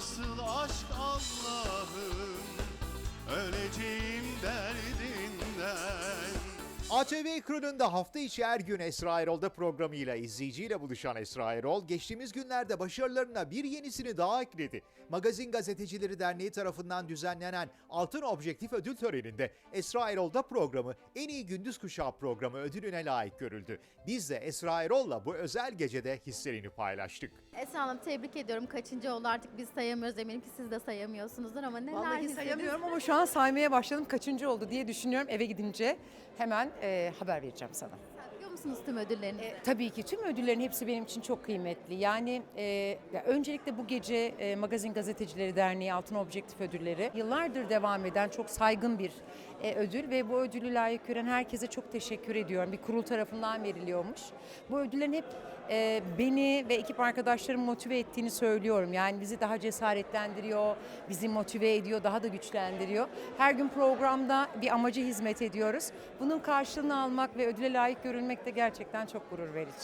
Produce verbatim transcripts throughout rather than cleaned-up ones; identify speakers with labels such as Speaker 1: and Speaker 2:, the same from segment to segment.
Speaker 1: nasıl aşk Allah'ım, öleceğim derdinden.
Speaker 2: A T V ekranında hafta içi her gün Esra Erol'da programıyla izleyiciyle buluşan Esra Erol, geçtiğimiz günlerde başarılarına bir yenisini daha ekledi. Magazin Gazetecileri Derneği tarafından düzenlenen Altın Objektif ödül töreninde Esra Erol'da programı en iyi gündüz kuşağı programı ödülüne layık görüldü. Biz de Esra Erol'la bu özel gecede hislerini paylaştık.
Speaker 3: Esra Hanım, tebrik ediyorum. Kaçıncı oldu artık biz sayamıyoruz. Eminim ki siz de sayamıyorsunuzdur ama neler
Speaker 4: Vallahi
Speaker 3: hissediniz?
Speaker 4: sayamıyorum ama şu an saymaya başladım. Kaçıncı oldu diye düşünüyorum. Eve gidince hemen e, haber vereceğim sana.
Speaker 3: Biliyor musunuz tüm ödüllerinizi?
Speaker 4: E, tabii ki tüm ödüllerin hepsi benim için çok kıymetli. Yani e, ya öncelikle bu gece e, Magazin Gazetecileri Derneği Altın Objektif Ödülleri yıllardır devam eden çok saygın bir e, ödül ve bu ödülü layık gören herkese çok teşekkür ediyorum. Bir kurul tarafından veriliyormuş. Bu ödüllerin hep e, beni ve ekip arkadaşlarımı motive ettiğini söylüyorum. Yani bizi daha cesaretlendiriyor, bizi motive ediyor, daha da güçlendiriyor. Her gün programda bir amaca hizmet ediyoruz. Bunun karşılığını almak ve ödüle layık görülmek de gerçekten çok gurur verici.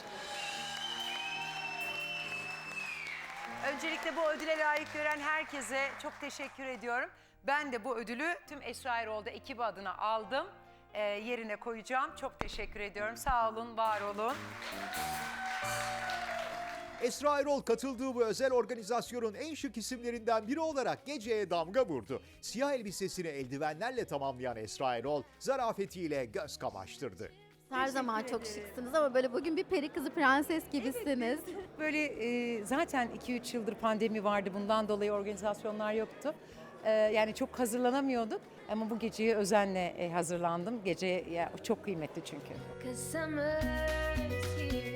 Speaker 4: Öncelikle bu ödüle layık gören herkese çok teşekkür ediyorum. Ben de bu ödülü tüm Esra Erol'da ekibi adına aldım. Ee, yerine koyacağım. Çok teşekkür ediyorum. Sağ olun, var olun.
Speaker 2: Esra Erol katıldığı bu özel organizasyonun en şık isimlerinden biri olarak geceye damga vurdu. Siyah elbisesini eldivenlerle tamamlayan Esra Erol, zarafetiyle göz kamaştırdı.
Speaker 3: Her zaman çok şıksınız ama böyle bugün bir peri kızı prenses gibisiniz.
Speaker 4: Böyle e, zaten iki üç yıldır pandemi vardı. Bundan dolayı organizasyonlar yoktu. E, yani çok hazırlanamıyorduk. Ama bu geceye özenle e, hazırlandım. Gece ya, çok kıymetli çünkü.
Speaker 5: Cause summer's here.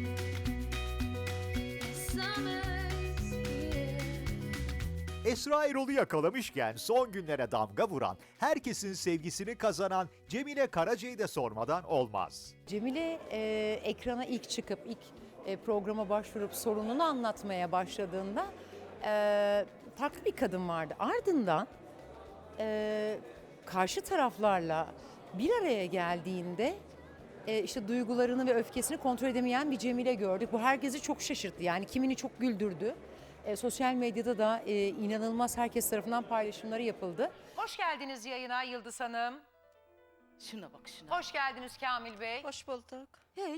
Speaker 5: Summer's here.
Speaker 2: Esra Erol'u yakalamışken son günlere damga vuran, herkesin sevgisini kazanan Cemile Karaca'yı da sormadan olmaz.
Speaker 4: Cemile e, ekrana ilk çıkıp ilk e, programa başvurup sorununu anlatmaya başladığında e, farklı bir kadın vardı. Ardından e, karşı taraflarla bir araya geldiğinde e, işte duygularını ve öfkesini kontrol edemeyen bir Cemile gördük. Bu herkesi çok şaşırttı. Yani kimini çok güldürdü. E, sosyal medyada da e, inanılmaz herkes tarafından paylaşımları yapıldı. Hoş geldiniz yayına Yıldız Hanım.
Speaker 6: Şuna bak şuna.
Speaker 4: Hoş geldiniz Kamil Bey.
Speaker 6: Hoş bulduk.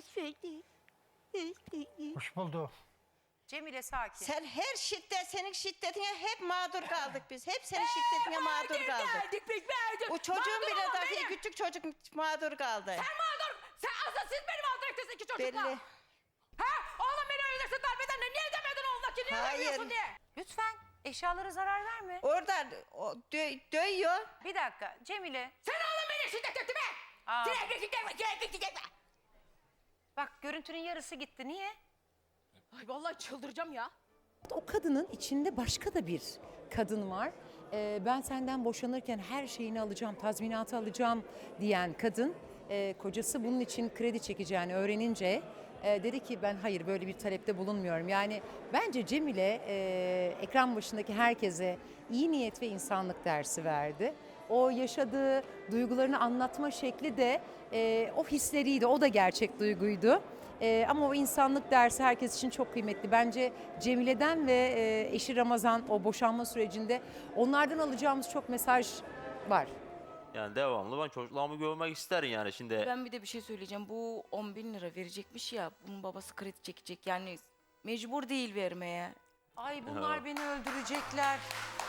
Speaker 7: Hoş bulduk.
Speaker 4: Cemile sakin.
Speaker 6: Sen her şiddet, senin şiddetine hep mağdur kaldık biz. Hep senin şiddetine mağdur kaldık.
Speaker 8: Verdik biz verdik.
Speaker 6: O çocuğun
Speaker 8: Mağdur
Speaker 6: bile
Speaker 8: olan
Speaker 6: dahi
Speaker 8: benim.
Speaker 6: küçük çocuk mağdur kaldı.
Speaker 8: Sen mağdur. Sen aslında siz beni mağdur ettiniz iki çocukla.
Speaker 6: Belli.
Speaker 8: Ha? Oğlum beni öylesi darp eden ne? Niye demedin oğluna ki niye
Speaker 6: Hayır.
Speaker 8: demiyorsun diye?
Speaker 4: Lütfen eşyalara zarar verme.
Speaker 6: Orada o, dö- dövüyor.
Speaker 4: Bir dakika Cemile.
Speaker 8: Sen oğlum beni şiddet etti be.
Speaker 4: Aa.
Speaker 8: Sürekli şiddet, sürekli şiddet.
Speaker 4: Bak görüntünün yarısı gitti. Niye?
Speaker 8: Ay vallahi çıldıracağım ya.
Speaker 4: O kadının içinde başka da bir kadın var. Ee, ben senden boşanırken her şeyini alacağım, tazminatı alacağım diyen kadın. e, kocası bunun için kredi çekeceğini öğrenince e, dedi ki ben hayır böyle bir talepte bulunmuyorum. Yani bence Cemile e, ekran başındaki herkese iyi niyet ve insanlık dersi verdi. O yaşadığı duygularını anlatma şekli de e, o hisleriydi, o da gerçek duyguydu. E, ama o insanlık dersi herkes için çok kıymetli. Bence Cemile'den ve e, eşi Ramazan o boşanma sürecinde onlardan alacağımız çok mesaj var.
Speaker 9: Yani devamlı ben çocuklarımı görmek isterim yani şimdi.
Speaker 10: Ben bir de bir şey söyleyeceğim. Bu on bin lira verecekmiş ya. Bunun babası kredi çekecek. Yani mecbur değil vermeye.
Speaker 4: Ay bunlar beni öldürecekler.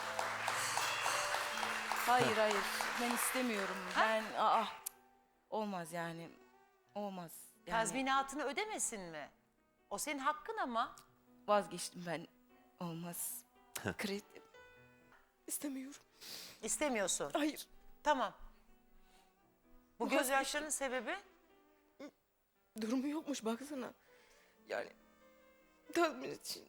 Speaker 10: Hayır hayır. Ben istemiyorum. Ben aa olmaz yani. Olmaz. Yani
Speaker 4: Tazminatını ödemesin mi? O senin hakkın ama.
Speaker 10: vazgeçtim ben. Olmaz. Kredi istemiyorum.
Speaker 4: İstemiyorsun.
Speaker 10: Hayır.
Speaker 4: Tamam. Bu
Speaker 10: Vazgeçtim.
Speaker 4: gözyaşlarının sebebi?
Speaker 10: Durumu yokmuş baksana. Yani tazminat için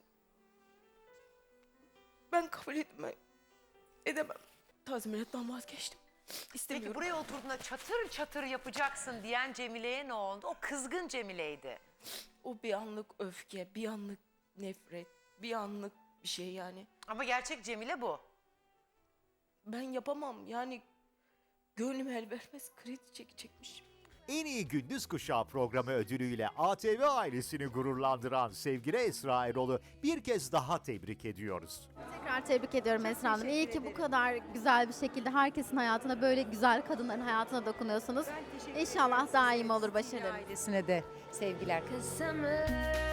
Speaker 10: ben kabul etmem. Edemem. Tazminattan vazgeçtim. İstemiyorum.
Speaker 4: Peki buraya oturduğunda çatır çatır yapacaksın diyen Cemile'ye ne oldu? O kızgın Cemile'ydi.
Speaker 10: O bir anlık öfke, bir anlık nefret, bir anlık bir şey yani.
Speaker 4: Ama gerçek Cemile bu.
Speaker 10: Ben yapamam yani gönlüm el vermez kredi çekecekmiş.
Speaker 2: En iyi gündüz kuşağı programı ödülüyle A T V ailesini gururlandıran sevgili Esra Erol'u bir kez daha tebrik ediyoruz.
Speaker 3: Tekrar tebrik ediyorum Esra Hanım. İyi ki bu kadar güzel bir şekilde herkesin hayatına, böyle güzel kadınların hayatına dokunuyorsunuz. İnşallah daim olur başarılarınız.
Speaker 4: Ailesine de sevgiler.
Speaker 5: Cause summer